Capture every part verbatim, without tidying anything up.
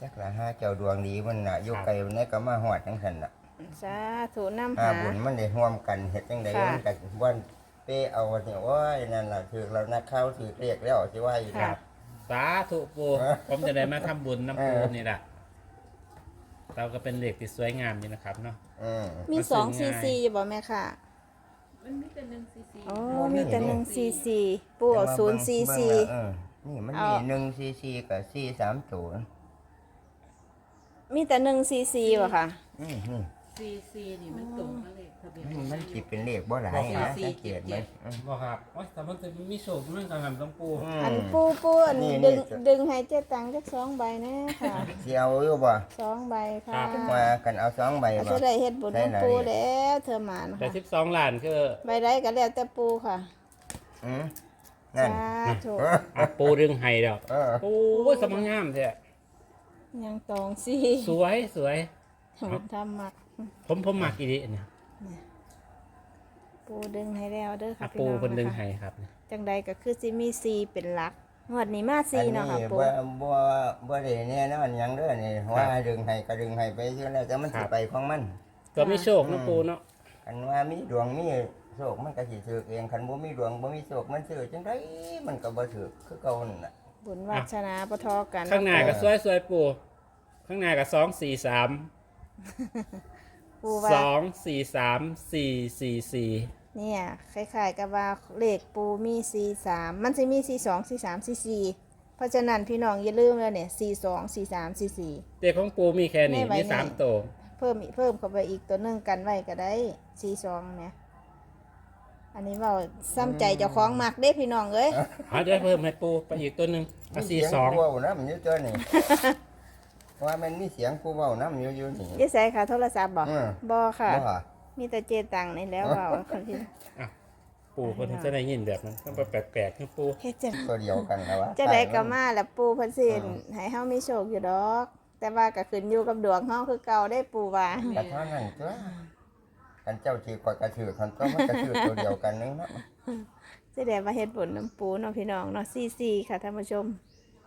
จักละห้าเจ้าดวงดีมันน่ะอยู่ไกลมันก็มาฮอดจังซั่นน่ะสาธุนำหาหาบุญมันได้ร่วมกันเฮ็ดจังได๋มันก็บ่เป้เอาเนี่ยโอ้ยนั่นล่ะถือแล้วนักข่าวถือเรียกแล้วสิว่าอีกครับสาธุปูผมจะได้มาทำบุญน้ำปูนี่แหละเราก็เป็นเหล็กที่สวยงามนี่นะครับเนาะอืมมีสองซีซีอยู่บ่แม่ค่ะมันมีแต่หนึ่งซีซีโอ้มีแต่หนึ่งซีซีปู่เอาศูนย์ซีซีเออนี่มันเอามีหนึ่งซีซีกับซีสามตัวมีแต่หนึ่งซีซีบ่ค่ะอืมอืมซีซีนี่มันตรงกับเลขทะเบียนมันมันสิเป็นเลขบ่หลายนะสังเกตไหมอืมบอกครับว่าแต่มันจะมีโชคมันกันครับต้องปูอันปูปูอันนี่ดึงนี่ดึงให้เจ๊ตังจักสองใบแน่ค่ะสิเอาอยู่บ่สองใบค่ะว่ากันเอาสองใบอาจบ่จะได้เฮ็ดบุญได้น้ำหลายปูแล้วเธอหมานแต่ค่ะสิบสองล้านคือใบใดก็แล้วแต่ปูค่ะอืมนั่นสาธุเอออ่ะปูดึงไห้แล้วเออโอ้ยสมังงามแท้ยังตองซีสวยสวยมันทำมักผมผมมักอีดีเนี่ยปูดึงให้แล้วเด้ออ่ะค่ะพี่ปูน้องคนดึงนะคะไห้ครับจังใดก็คือสิมีซีเป็นหลักงวดนี้มาซีอันเนาะนี้ค่ะปูบ่บ่บ่ได้แน่นอนหยังเด้อนี่ว่าดึงให้ก็ดึงให้ไปซื่อแล้วแต่มันสิไปของมันก็มีโชคนะปูเนาะคันว่ามีดวงมีโชคมันก็สิถือเองคันบ่มีดวงบ่มีโชคมันซื้อจังไดมันก็บ่ถือคือเก่านั่นน่ะบุญวาสนาปะทอกันข้างหน้าก็สวยสวยปูข้างหน้าก็สองสี่สามปูว่าสองสี่สามสี่สี่สี่เนี่ยคล้ายๆกับว่าเลขปูมีซีสามมันจะมีซีสองซีสามซีสี่เพราะฉะนั้นพี่น้องอย่าลืมแล้วเนี่ยซีสองซีสามซีสี่เด็กของปูมีแค่นี้ไม่ไหวมีสามนี่ตัวเพิ่มอีกเพิ่มเข้าไปอีกตัวหนึงกันไว้ก็ได้ซีสองเนี่ยอันนี้ว่าซ้ำใจเจ้าของมักเด้พี่น้องเอ้ยเอาเดี๋ยวเพิ่มให้ปูไปอีกตัวหนึ่งเอาสี่สองมีเสียงกูเว้านํอยู่ตัวนี่ ว่ามันมีเสียงกูเว้านํอยู่อยู่นี่ยี่ใส่ค่ะโทรศัพท์บ่อืมบ่ค่ะบ่มีแต่เจตังนี่แล้วเว่าคนที่ปูคนที่จะได้ยินแบบนั้นต้องแปลกๆนะปูเฮ็ดจังตัวเดียวกันแล้ววะจะได้ก็มาแล้วปูเพิ่นสิให้เฮามีโชคอยู่ดอก แต่ว่าก็ขึ้นอยู่กับดวงเฮาคือเก่าได้ปูว่าแต่เท่านั้นตัวกันเจ้าถือกว่ากระถือคันตัวมันกระถือตัวเดียวกันนึงเนาะสิได้มาเฮ็ดบุญน้ำปูเนาะพี่น้องเนาะซี่ซี่ค่ะท่านผู้ชม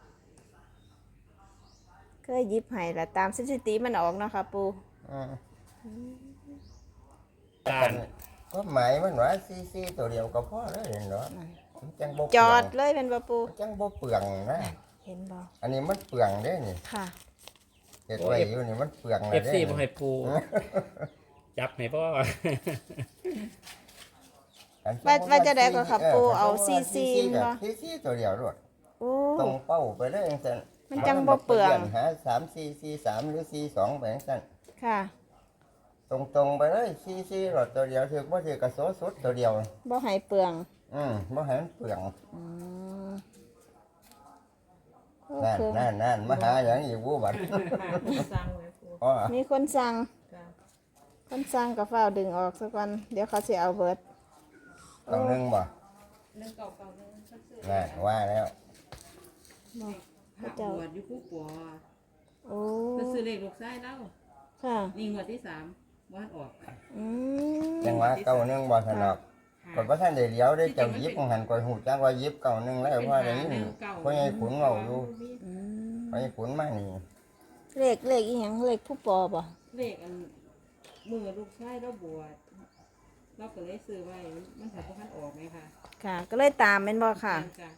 เคยหยิบให้ละตามสถิติมันออกเนาะค่ะปูอืมการก็หมายมันว่าซีซีตัวเดียวก็พอแล้วเห็นเนาะมันจังบ่เปจลืออดงเลยเป็นบ่ปูจังบ่เปลืองนะเห็นบ่อันนี้มันเปลืองเด้นี่ค่ะเฮ็ดไว้อยู่นี่มันเปลืองเอแล้วฟเด้ซีมาให้ปู จับให้พ่อว่าว่าจะได้ก็ค่ะปูเอาซีซีบ่ซีซีตัวเดียวรวดโอ้ตรงเป้าไปเลยจังซั่นมันจังบ่เปลืองหาสามซีซีสามหรือซีสองไปจังซั่นค่ะตรงๆไปเลยซีซีรถตัวเดียวถือบ่ถือกระโสสุดตัวเดียวบ่ให้เปลืองอืมบ่ให้มันเปลืองอืมโอนั่นเคนั่นนั่นมาหาอย่างอีกวูบัดสั่งไว้ปูอ๋อมีคนสั่งค่ะคนสั่งก็เฝ้าวดึงออกสักวันเดี๋ยวเขาสิเอาเบิดต้องนึงบ่หนึ่งเก่าเก่าหนึ่งสักซื้อนั่นว่าแล้วบ่พระบวชอยู่ผู้ปัวโอ้เพิ่นซื้อเลขลูกชายแล้วค่ะนี่งวดที่สามวันออกอืมจังว่าเก่านึงบ่ถนอกค่ะกดว่าท่านได้เลี้ยวได้เจ้ายิบของหันกดหูจักว่ายิบเก่านึงแล้วเพราะได้ยินเพราะไอ้ขุนเว้าอยู่อืมเพราะไอ้ขุนมานี่เลขเลขอีหยังเลขผู้ปอบ่เลขอันมือลูกชายเราบวชเราก็เลยซื้อไว้มันถัดพันออกไหมคะค่ะ ก็เลยตามเป็นบ่ค่ะจ้ะ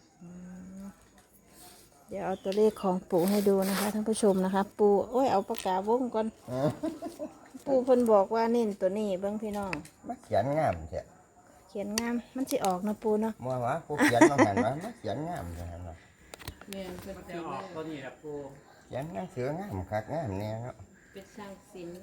เดี๋ยวเอาตัวเลขของปู่ให้ดูนะคะท่านผู้ชมนะคะ ปู่โอ้ยเอาปากกาวงก่อนอืมปู่เพิ่นบอกว่าเน้นตัวนี้เบิ่งพี่น้องมาเขียนงามแท้เขียนงามมันสิออกนะปู่เนาะบ่ว่าผู้เขียนมาหันว่ามาเขียนงามแท้เนาะแม่นเป็นจะศิลออกป์ตัวนี้แหละปูเขียนหนังสืองามคักงามแน่เนาะเป็นช่างศิลป์นะ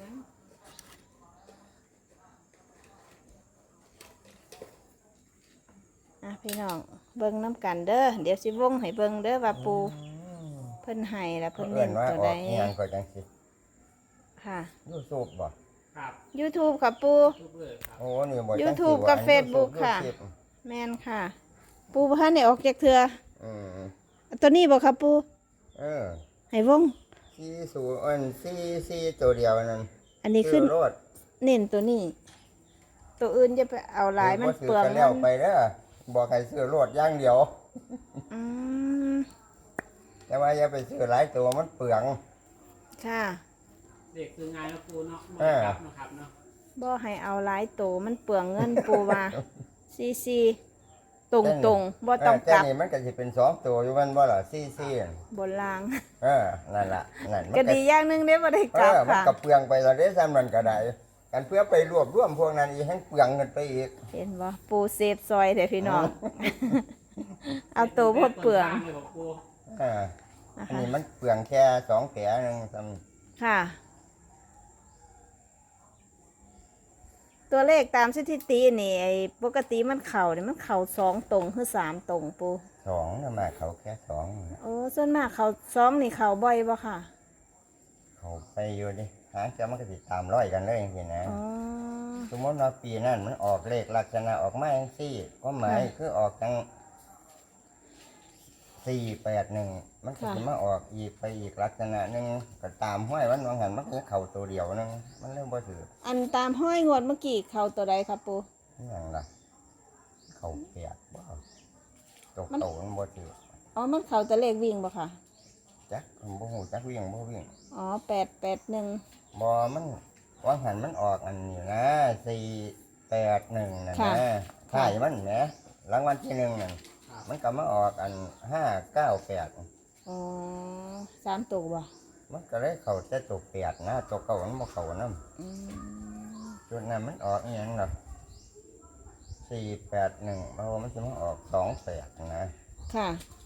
อ่ะพี่น้องเบิ่งน้ำกันเด้อเดี๋ยวสิวงให้เบิ่งเด้อว่าปู่เพิ่นให้แล้วเพิ่เพิ่นนเน้เอิ้นนว่าตัวอใดอกอีหยังก็จังซี่ค่ะ YouTube บ่ครับ YouTube ค่ะปู่ทุกเลยครับโอ้นี่บ่จังซี่ YouTube ว่กับอัน Facebook ค่ะ YouTube แม่นค่ะ ปู่บ่ทันได้ออกจากเทื่ออืมตัวนี้บ่ครับปู่เออให้วงซีสูอันซีซีตัวเดียวนั่นอันนี้ขึ้นซื้อรถเน้นตัวนี้ ตัวอื่นจะไปเอาหลายมันเปลืองซื้อกันแล้วไปเด้อบอกให้ซื้อรถอย่างเดียวอืมแต่ว่าอย่าไปซื้อหลายตัวมันเปลืองค่ะเด็กคือไงนะปูเนาะเออครับนะครับเนาะบ่ให้เอาหลายโตมันเปลืองเงินปูว่าซีซีตรงตรงๆบ่ต้องกแต่ลับนี่มันก็สิเป็นสองตัวอยู่มันบ่ล่ะซี่ซี่นั่นบนล่างเออนั่นล่ะนั่นมันก็ก็ดีอย่างหนึงเด้บ่ได้เอกลับอมันค่ะก็เปลืองไปและเด้ซ้ำนั้นก็ได้กันเพื่อไปรวบรวมพวกนั้นอีกให้เปลืองเงินไปอีกเห็นบ่ปูเซฟซอยเด้อพี่น้อง เอาโตวบ่เปลืองเลยบอกปูเออนะอันคะนี้มันเปลืองแค่สองแผลหนึงซ้ำค่ะ ตัวเลขตามสถิตินี่ไอ้ปกติมันเข่าเนี่ยมันเข่าสองตรงคือสามตรงปูสองนะมาเขาแค่สองนะโอ้ส่วนมากเข่าสองนี่เข่าบ่อยบ่ค่ะเขาไปอยู่ดิหางจะมันก็ติดตามร้อยกันเลยอย่างนี้นะอ๋อสมมติว่าปีนั้นมันออกเลขลักษณะออกมาอย่างสี่ก็หมายค่ะคือออกจังสี่แปดหนึ่งมันก็ค่ะจะมาออกอีกไปอีกลักษณะหนึ่งก็ตามห้อยวันวางหันมันก็เข่าตัวเดียวหนึงมันเริ่มบ่ถืออันตามห้อยงวดเมื่อกี้เข่าตัวใดครับปูอหย่างละเข่าเปียกบ่ตกมันโตมันบ่ถืออ๋อมันเข่าตัวเลขวิ่งบ่ค่ะจักผมบ่หูจักวิ่งบ่วิ่งอ๋อแปดแปดหนึ่งบ่มันวางหันมันออกอันนี้นะสี่แปดหนึ่งนะนะถ่ายมันแหมรางวัลที่หนึ่งนั่นมันก็มาออกอันห้าเก้าแปดอ๋อสามตัวบ่มันก็เลยเขาจะตกแปดนะตกเก่ามันบ่เขานำอืมจุดนั้นมันออกอหยังล่ะสี่แปดหนึ่งเพราะว่ามันจะมาออกสองแปดนะค่ะ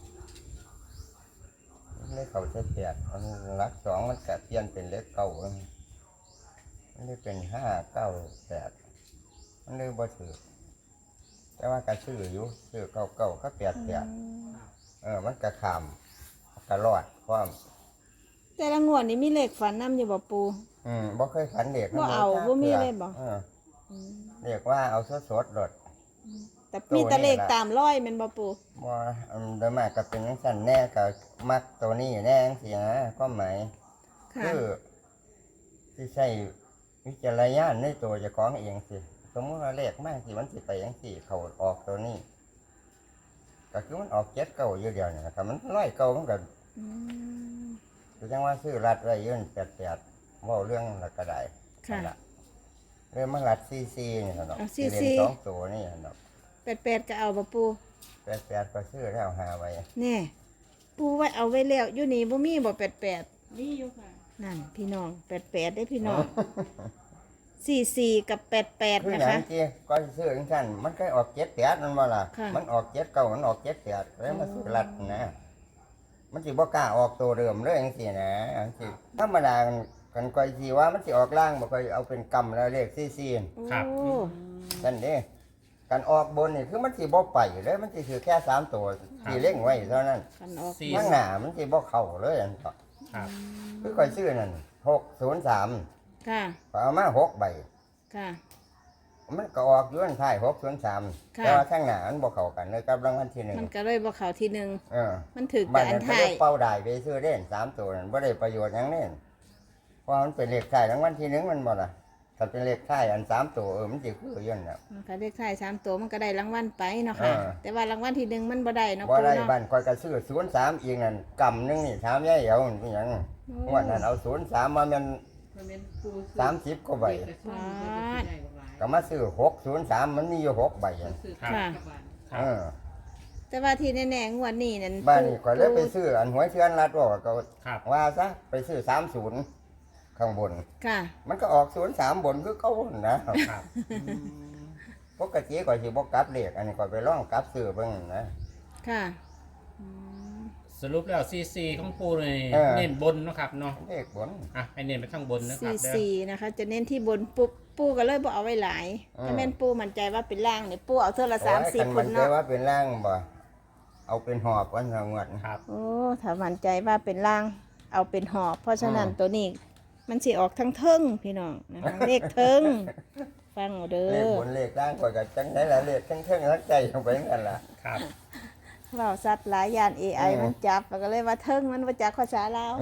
มันเลยเขาจะแปดมันรักสองมันก็เปลี่ยนเป็นเลขเก้ามันเลยเป็นห้าเก้าแปดมันเลยบ่ถือแต่ว่าก็ซื้ออยู่ซื้อเก้าเก้าก็แปดแปดเออมันก็ขามก็รอดความแต่ละงวดนี่มีเลขฝันนำอยู่บ่ปูอืมบ่เคยฝันเด็กบ่เอาบ่มีเลยบ่เออเรียกว่าเอาสดสดๆรถแต่มีแต่เลขตามร้อยแม่นบ่ปูบ่อืมโดยมากก็เป็นจังซั่นแน่ก็มักตัวนี้แน่จังซี่นะความหมายค่ะคือที่ใช้วิจารณญาณในตัวเจ้าของเองสิสมมติว่าเลขมากสิมันสิไปจังซี่เขาออกตัวนี้ ก็คือมันออกเจ็ดเก้าอยู่เดียวนี่นะครับมันร้อยเก้ามันก็อืมคือจังว่าซื้อรัดไว้อยืนแปดแปดเว้าเรื่องละก็ได้ค่ะนั่นล่เรื่องมันรัดซีซีนี่ครับเนาะเอาที่เรียนซีซีสองตัวนี่ครับเนาะแปดแปดก็เอาบ่ปูแปดแปดก็ซื้อแล้วหาไว้แน่ปูไว้เอาไว้แล้วอยู่นี่บ่มีบ่แปดแปดนี่อยู่ค่ะนั่นพี่น้องแปดแปดได้พี่น้องสี่สี่กับแปดแปดคือนะหนัคะงที่ก็ซื้อจังซั่นมันเคยออกเจ็ดแปดนั่นบ่ล่ะค่ะมันออกเจ็ดเก้ามันออกเจ็ดแปดแล้วมาซื้อรัดนะ มันสิบ่กล้าออกตัวเดิมเลยจังซี่นะจังซี่ธรรมดากันกันก่อยสิว่ามันสิออกล่างบ่ค่อยเอาเป็นกำแล้วเลขซีซีครับโอ้นั่นเด้การออกบนนี่คือมันสิบ่ไปเลยมันสิคือแค่สามตัวที่เล่งไว้เท่านั้นคันออกสี่ข้างหน้ามันสิบ่เข้าเลยอันก็ครับคือค่อยซื้อนั่นหกศูนย์สามค่ะก็เอามาหกใบค่ะมันก็ออกอยู่อันท้ายหกศูนย์สามค่ะแต่ว่าข้างหน้ามันบ่เข้ากันเลยกับรางวัลที่หนึ่งมันก็เลยบ่เข้าที่หนึ่งเออมันถือบ้าแต่นอันั้น นก็ท้าเลยยเป้าได้ไปซื้อเล่นสามตัวนั่นบ่ได้ประโยชน์หยังเล่นเพราะมันเป็นเลขท้ายรางวัลที่หนึ่งมันบ่ล่ะถ้าเป็นเลขท้ายอันสามตัวเออมันสิคืออยู่นั่นแหละมันก็เลขท้ายสามตัวมันก็ได้รางวัลไปเนาะค่ะเออแต่ว่ารางวัลที่หนึ่งมันบ่ได้เนาะบ่ปูได้เนาะบ้านคอยก็ซื้อศูนย์สามอีกนั่นกำหนึงนี่ถามยายเอ๋วมันเป็นหยังงวดนั้นเอาศูนย์สามมาแม่นมันเป็นปูซื้อสามสิบกว่าใบเด็กกระซ่อนมันจะได้บ่หลายก็มาซื้อหกศูนย์สามมันมีอยู่หกใบมัอะนซื้อกับบ้านครับเออแต่ว่าที่แน่ๆงวดนี้นั่นบ้านนี้คอยเลยไปซื้ออันหวยเทือนรัดว่าก็ครับว่าซะไปซื้อสามศูนย์ข้างบนค่ะมันก็ออกศูนย์สามบนคือเก่านะครับ ปกติก็สิบ่กลับเลขอันนี้ก็ไปลองกลับซื้อเบิ่งนะค่ะอืมสรุปแล้วซีซีของปูเลยเออเน้นบนเนาะครับเนาะเลขบนอ่ะให้เน้นไปข้างบนนะครัสี่บเด้อสี่นะคะ จะเน้นที่บนปุ๊บปูก็เลยบ่เอาไว้หลายอืมถ้าแม่นปูมั่นใจว่าเป็นล่างเนี่ยปูเอาเท่าละสามสิบโอ้ยคคันนมันใจเนาะว่าเป็นร่างบ่เอาเป็นหอบวันสองงวดครับโอ้ถ้ามั่นใจว่าเป็นล่าง เอาเป็นหอบ เพราะฉะนั้นตัวนี้ มันสิออกทั้งเทิงพี่น้องนะคะ เลขเทิง ฟังเอาเด้เลขอบนเลขล่างก็ก็จังได๋ล่ะเลขทั้งเทิงทั้งใจลงไปนั่นล่ะครับเราสัตว์หลายยาน เอ ไออืมมันจับแล้วก็เลยว่าเทิงมันมาจากภาษาลาว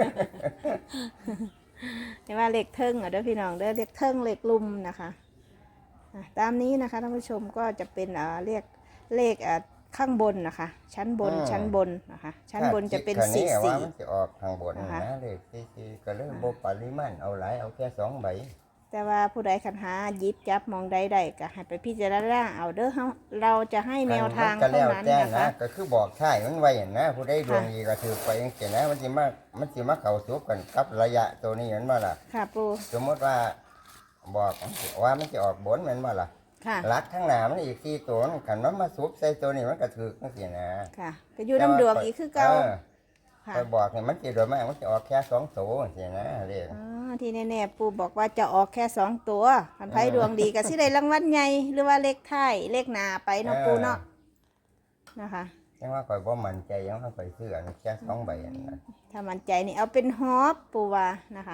เห็นว่าเลขเทิงอ่ะเด้อพี่น้องเด้อเลขเทิงเลขลุ่มนะคะอ่ะตามนี้นะคะท่านผู้ชมก็จะเป็นอ่าเรียกเลขอ่าข้างบนนะคะ ชั้นบนอืมชั้นบนนะคะ ชั้นบนจะเป็นถ้าคิสี่ดคันนี้ว่าสี่มันจะออกทางบนนะคะนะเลขสี่สี่ก็เลยบ่ปริมาณเอาหลายเอาแค่สองใบแต่ว่าผู้ใดคันหาหยิบจับมองใดใดก็ให้ไปพิจารณาเอาเด้อเฮาเราจะให้แนวทางก็เท่าแล้วนั้นแต่นะคะก็คือบอกใช่มันไว้นะผู้ใดดวงดีก็ถือไปจังซี่นะมันสิมามันสิมาเข้าสู่กันกับระยะตัวนี้แม่นบ่ล่ะค่ะปูสมมติว่าบอกว่ามันจะออกบนแม่นบ่ล่ะค่ะลักข้างหน้ามันอีกสี่ตัวมันคันมันมาสูบใส่ตัวนี้มันก็ถือจังซี่นะค่ะก็อยู่น้ำดวงอีกคือเก่าออค่ะไปบอกเนี่ยมันสิโดยมากมันจะออกแค่สองตัวจังซี่นะเรียกอ๋อที่แน่ๆปูบอกว่าจะออกแค่สองตัวคันไพ่เออดวงดีก็สิได้รางวัลใหญ่หรือว่าเลขท้ายเลขหน้าไปเนาะปูเนาะนะคะยังว่าข่อยบ่มั่นใจยังว่าข่อยซื้ออันแค่สองใบอันนั้นถ้ามั่นใจนี่เอาเป็นฮอบปูว่านะคะ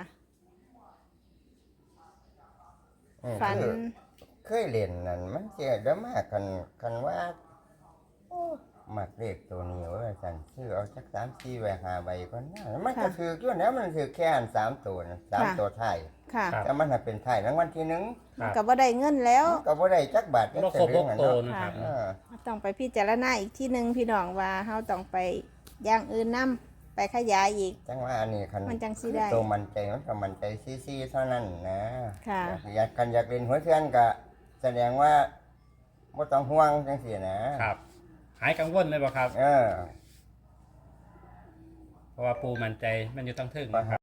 อืมฝันคือเคยเล่นนั่นมันเจ๊เด้อมากคันคันว่าโอ้มักเลขตัวนี้ว่าซั่นซื้อเอาจักสามสี่ใบห้าใบก็น่ามันก็ถืออยู่แล้วมันถือแค่อันสามตัวนะสามตัวท้ายค่ะครับแต่มันน่ะเป็นท้ายรางวัลที่หนึ่งครับก็บ่ได้เงินแล้วก็บ่ได้จักบาทจักบ่สครบลึหงกอะโตเนาะนะครับเออต้องไปพิจารณาอีกที่หนึ่งพี่น้องว่าเฮาต้องไปอย่างอื่นนํไปขยายอีกจังว่าอันนี้คันมันจังสิได้ตัวมันใจมันก็มันใจซี่ๆเท่านั้นนะค่ะอยากกันอยากเล่นหัวเทือนก็แสดงว่าบ่ต้องห่วงจังซี่นะครับหายกังวลเลยบ่ครับเออเพราะว่าปูมั่นใจมันอยู่ตั้งทึ่งนะครับ